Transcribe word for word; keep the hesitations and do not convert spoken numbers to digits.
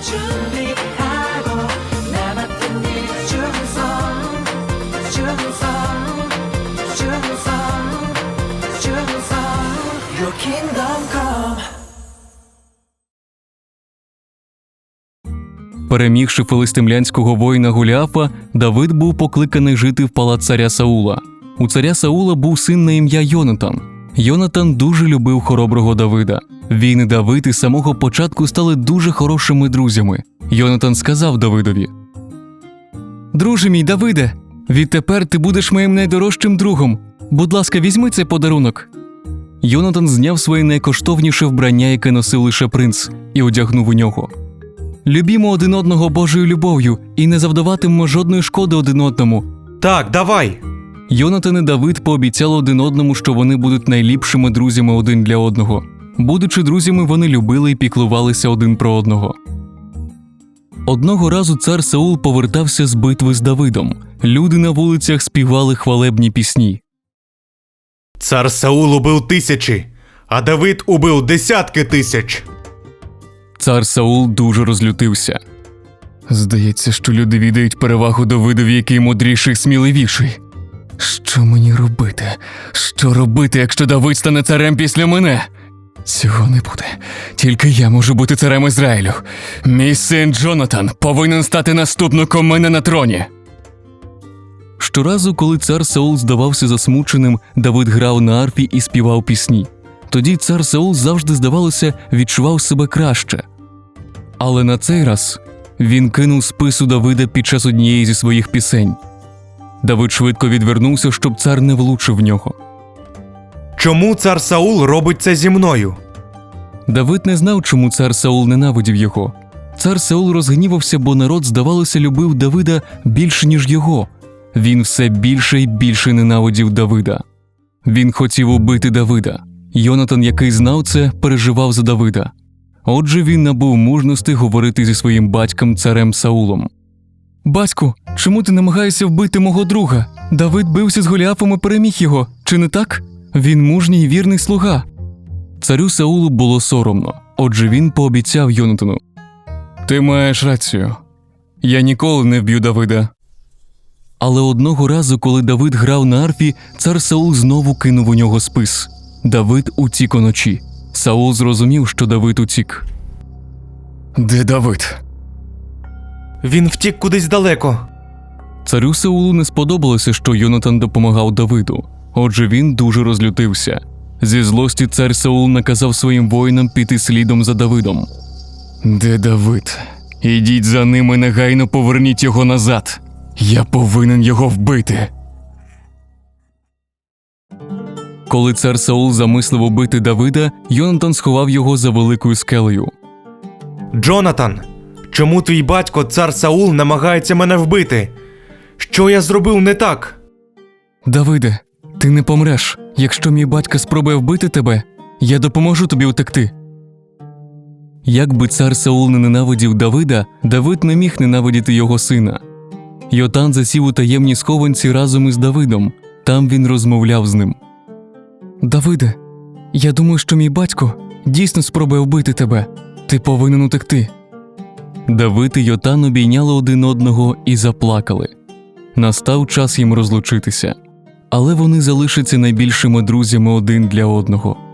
준비하고 남았던 일 충성 충성 충성 충성 Your kingdom come. Перемігши филистимлянського воїна Голіафа, Давид був покликаний жити в палац царя Саула. У царя Саула був син на ім'я Йонатан. Йонатан дуже любив хороброго Давида. Він і Давид із самого початку стали дуже хорошими друзями. Йонатан сказав Давидові: «Друже мій Давиде, відтепер ти будеш моїм найдорожчим другом. Будь ласка, візьми цей подарунок». Йонатан зняв своє найкоштовніше вбрання, яке носив лише принц, і одягнув у нього. «Любімо один одного Божою любов'ю і не завдаватимемо жодної шкоди один одному». Так, давай! Йонатан і Давид пообіцяли один одному, що вони будуть найліпшими друзями один для одного. Будучи друзями, вони любили і піклувалися один про одного. Одного разу цар Саул повертався з битви з Давидом. Люди на вулицях співали хвалебні пісні. Цар Саул убив тисячі, а Давид убив десятки тисяч. Цар Саул дуже розлютився. Здається, що люди віддають перевагу Давидові, який мудріший, сміливіший. Що мені робити? Що робити, якщо Давид стане царем після мене? Цього не буде. Тільки я можу бути царем Ізраїлю. Мій син Джонатан повинен стати наступником мене на троні. Щоразу, коли цар Саул здавався засмученим, Давид грав на арфі і співав пісні. Тоді цар Саул завжди, здавалося, відчував себе краще. Але на цей раз він кинув спису Давида під час однієї зі своїх пісень. Давид швидко відвернувся, щоб цар не влучив в нього. Чому цар Саул робить це зі мною? Давид не знав, чому цар Саул ненавидів його. Цар Саул розгнівався, бо народ, здавалося, любив Давида більше, ніж його. Він все більше і більше ненавидів Давида. Він хотів убити Давида. Йонатан, який знав це, переживав за Давида. Отже, він набув мужності говорити зі своїм батьком царем Саулом. «Батьку, чому ти намагаєшся вбити мого друга? Давид бився з Голіафом і переміг його, чи не так? Він мужній і вірний слуга». Царю Саулу було соромно, отже він пообіцяв Йонатану: «Ти маєш рацію. Я ніколи не вб'ю Давида». Але одного разу, коли Давид грав на арфі, цар Саул знову кинув у нього спис. Давид утік уночі. Саул зрозумів, що Давид утік. «Де Давид?» Він втік кудись далеко. Царю Саулу не сподобалося, що Йонатан допомагав Давиду. Отже, він дуже розлютився. Зі злості цар Саул наказав своїм воїнам піти слідом за Давидом. «Де Давид? Ідіть за ним і негайно поверніть його назад. Я повинен його вбити». Коли цар Саул замислив убити Давида, Йонатан сховав його за великою скелею. Джонатан, чому твій батько, цар Саул, намагається мене вбити? Що я зробив не так? «Давиде, ти не помреш. Якщо мій батько спробує вбити тебе, я допоможу тобі утекти». Як би цар Саул не ненавидів Давида, Давид не міг ненавидіти його сина. Йотан засів у таємній схованці разом із Давидом. Там він розмовляв з ним. «Давиде, я думаю, що мій батько дійсно спробує вбити тебе. Ти повинен утекти». Давид і Йотан обійняли один одного і заплакали. Настав час їм розлучитися. Але вони залишаться найбільшими друзями один для одного.